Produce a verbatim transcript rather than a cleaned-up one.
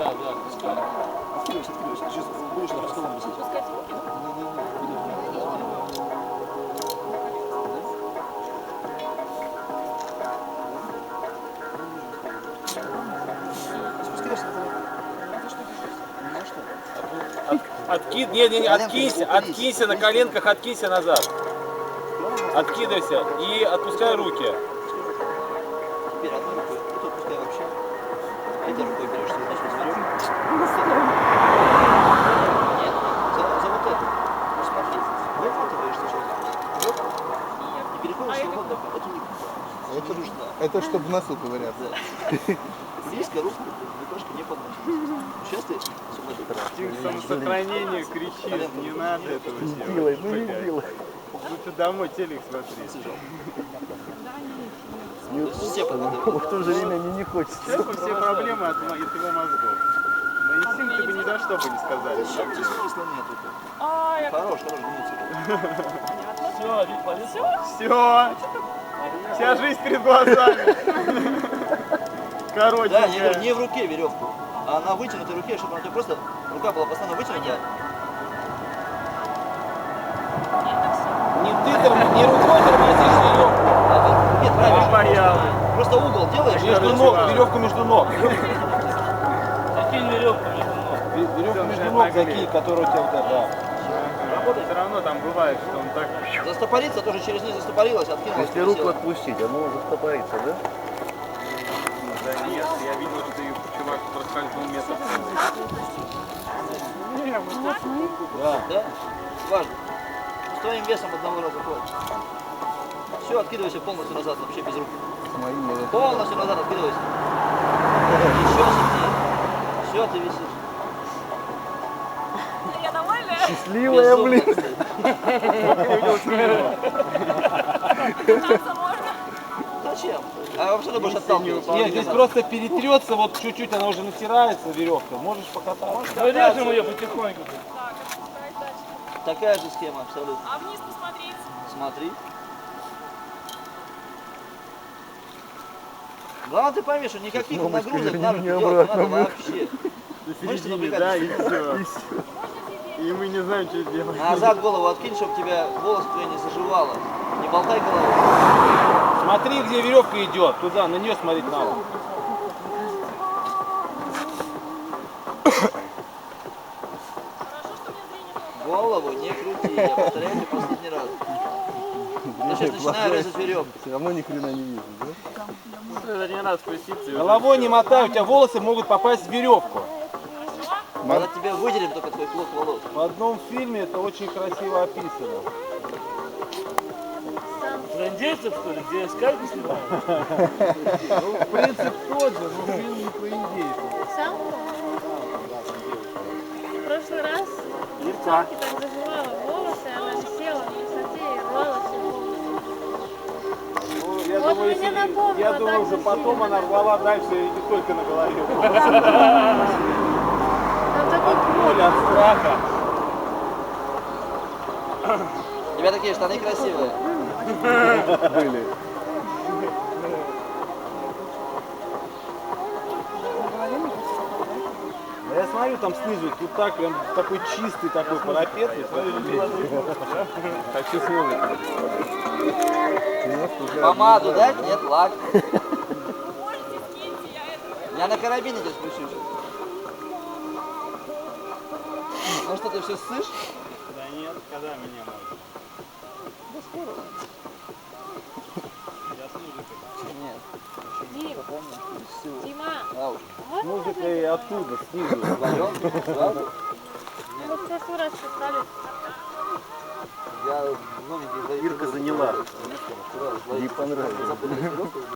Да, да, пускай. Откидывайся, откидывайся. Сейчас будешь на столом висеть. Пускать руки? Спускаешься, От, откид, не, не, не, откинься, откинься на коленках, откинься назад. Откидывайся и отпускай руки. теперь одной рукой, вот отпускай вообще. Этой рукой берешь свою носу, веревку. Нет, за, за вот это. Ну смотри, выхватываешь сначала. И переходишь свободно. Это не Это, нужно. это чтобы в носу ковыряться. Да. Близко руку, немножко не подносишь. Сейчас ты Инстинкт самосохранения кричит, не надо этого Сделай, делать. ну не сделай. Лучше домой телек смотреть. все подготовлены. В то же время мне не хочется. Сейчас бы все проблемы от, мо- от его мозгов. На инстинкты бы ни за что бы не сказали. Здесь смысла нету. А, я Хорош, хорош, гнуться. Все, вид полетел. Все. Вся жизнь перед глазами. Короче, Да, не, не в руке веревку, а на вытянутой руке, чтобы она у тебя просто, рука была постоянно вытянута. Не ты там, не рукой тормозишь веревку. А, нет, правильно. боялась. Просто угол делаешь. Между ног, веревку между ног. Закинь веревку между ног. Веревку между ног закинь, которая у тебя вот это. Все равно там бывает, что он так... Застопориться тоже через низ застопорилась, откинулась. Если руку отпустить, оно застопорится, да? Да нет, я видел, что и чувак проскользнул метр. Да. Да? Важно. С твоим весом одного раза хватит. Все, откидывайся полностью назад, вообще без рук. С моим надо. Полностью назад откидывайся. Еще сильнее. Все, ты висишь. Я довольна? Счастливая, Безумно, блин. кстати. Кататься можно? Зачем? А вообще ты будешь отталкиваться. Нет, здесь просто перетрется, вот чуть-чуть она уже натирается, веревка. Можешь покататься. Ну, режем ее потихоньку. Так, отпускать дальше. Такая же схема абсолютно. А вниз посмотреть? Смотри. Главное, ты пойми, что никаких Мамочка, нагрузок верни на руки меня делать не обратно, надо вообще. До Мышцы середины, напрягать. да, и все. И всё. И мы не знаем, что делать. Назад голову откинь, чтобы тебя волосы твои не заживало. Не болтай головой. Смотри, где веревка идет, туда, на нее смотреть надо. Хорошо, что у меня зрение плохо. Голову не крути, я повторяю тебе последний раз. Я сейчас начинаю резать веревку. Все равно ни хрена не вижу, да? Это не надо спуститься. и Головой не мотай, у тебя волосы могут попасть в веревку. Когда тебе выделим только твой клок волос. В одном фильме это очень красиво описано. Про индейцев, что ли? Где скальпы снимают? Ну, принцип тот же, но фильм не про индейцев. Сам? В прошлый раз девчонке так заживала волосы, она висела на высоте и рвала все волосы. Ну, я Вот думаю, мне если- напомнило, я так думаю, что же потом сильно. она рвала дальше и не только на голове. Там такой Боль от страха. У тебя такие штаны красивые. Были. А я смотрю, там снизу, тут так прям такой чистый такой парапет. Я смотрю, хочу смотреть. Помаду дать? Нет, лак. Можете скиньте, я это... Я на карабине тебя спущу. Ну что, ты все ссышь? Да нет, когда меня можно? Нет. Дим, Дима, Ауч. Музыка и оттуда, снизу. Вдвоем? Сразу? мы в прошлый раз писали. Я новенький. Ирка заняла. Куда? Ей понравилось. Запутались веревкой.